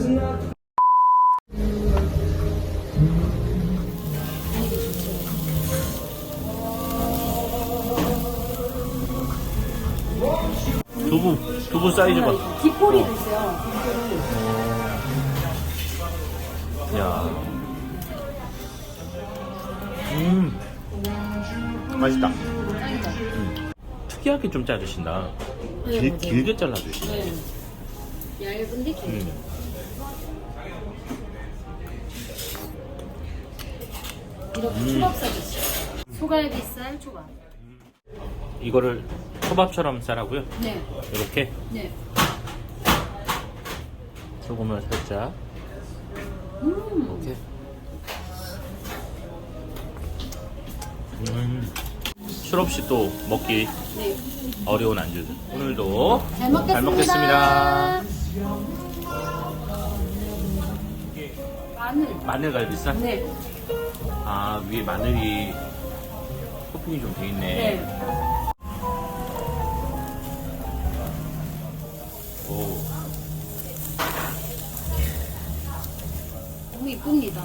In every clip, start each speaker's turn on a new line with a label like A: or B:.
A: 두부 사이즈 봐.
B: 뒷꼬리도 있어요.
A: 야. 맛있다. 특이하게 좀 자르신다. 길게 잘라주시네.
B: 네. 얇은데 길게. 이렇게 초밥 싸주세요. 소갈비살 초밥.
A: 이거를 초밥처럼 싸라고요?
B: 네.
A: 이렇게
B: 네.
A: 소금을 살짝. 이렇게. 술 없이 또 먹기
B: 네.
A: 어려운 안주. 오늘도
B: 잘 먹겠습니다.
A: 잘 먹겠습니다. 마늘갈비살?
B: 네.
A: 아, 위에 마늘이 토핑이 좀 돼 있네.
B: 네.
A: 오.
B: 너무 이쁩니다.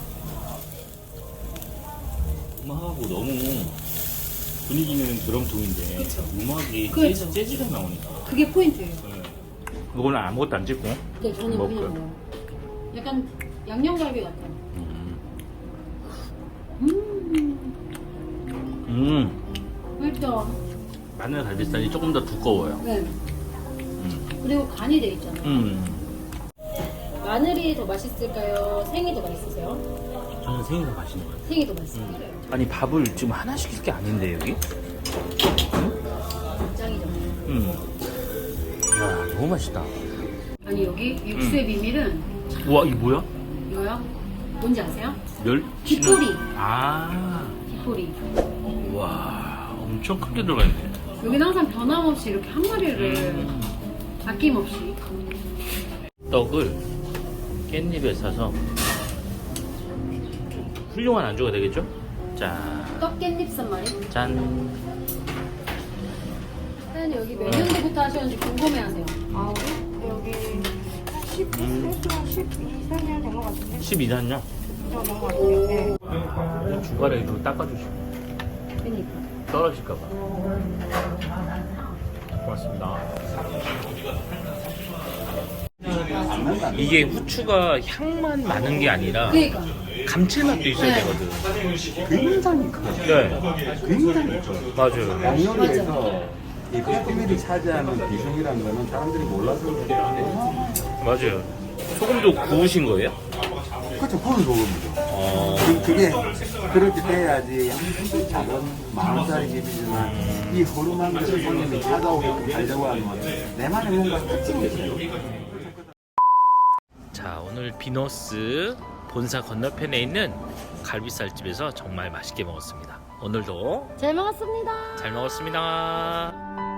A: 음악하고 너무 분위기는 드럼통인데
B: 그쵸.
A: 음악이
B: 그렇죠.
A: 재즈가 나오니까.
B: 그게 포인트예요.
A: 네. 이거는 아무것도 안 찍고.
B: 네, 저는
A: 먹고요.
B: 그냥 먹어요. 약간 양념갈비 같아요. 맛있죠?
A: 마늘 갈비살이 조금 더 두꺼워요.
B: 네. 그리고 간이 돼 있잖아요. 마늘이 더 맛있을까요? 생이 더 맛있으세요?
A: 저는 생이 더 맛있는 것 같아요.
B: 생이 더 맛있어요.
A: 아니 밥을 지금 하나 시킬 게 아닌데 여기?
B: 짱이죠.
A: 이야 너무 맛있다.
B: 아니 여기 육수의 비밀은
A: 우와 이거 뭐야?
B: 이거요? 뭔지 아세요?
A: 멸치는.
B: 뒷꼬리.
A: 아.
B: 뒷꼬리.
A: 와 엄청 크게 들어가 있네.
B: 여기는 항상 변함없이 이렇게 한 마리를 아낌없이.
A: 떡을 깻잎에 싸서 좀 훌륭한 안주가 되겠죠? 자,
B: 떡깻잎 쌈말이.
A: 짠.
B: 사장님 여기 몇 년도부터 하셨는지 궁금해하세요.
C: 아, 여기 12년 된 것 같은데?
A: 12단요?
C: 저는 것 같아요. 네.
A: 중간에 좀 닦아주시고
B: 그러니까.
A: 떨어질까봐. 고맙습니다. 이게 후추가 향만 많은 게 아니라
B: 그러니까.
A: 감칠맛도 있어야
B: 네.
A: 되거든.
D: 굉장히 커요.
A: 네,
D: 굉장히 커요.
A: 맞아요.
D: 양념에서 이 뼈미를 차지하는 비중이라는 거는 사람들이 몰라서 그래요.
A: 맞아요. 소금도 구우신 거예요?
D: 그렇죠. 그건 소금이죠.
A: 어,
D: 그게 그렇게 돼야지 작은 10,000원짜리 집이지만 이 허름한 것을 손님이 찾아오게끔 하려고 하면 내만의 뭔가 특징이 있어요.
A: 자, 오늘 비너스 본사 건너편에 있는 갈비살집에서 정말 맛있게 먹었습니다. 오늘도
B: 잘 먹었습니다.
A: 잘 먹었습니다.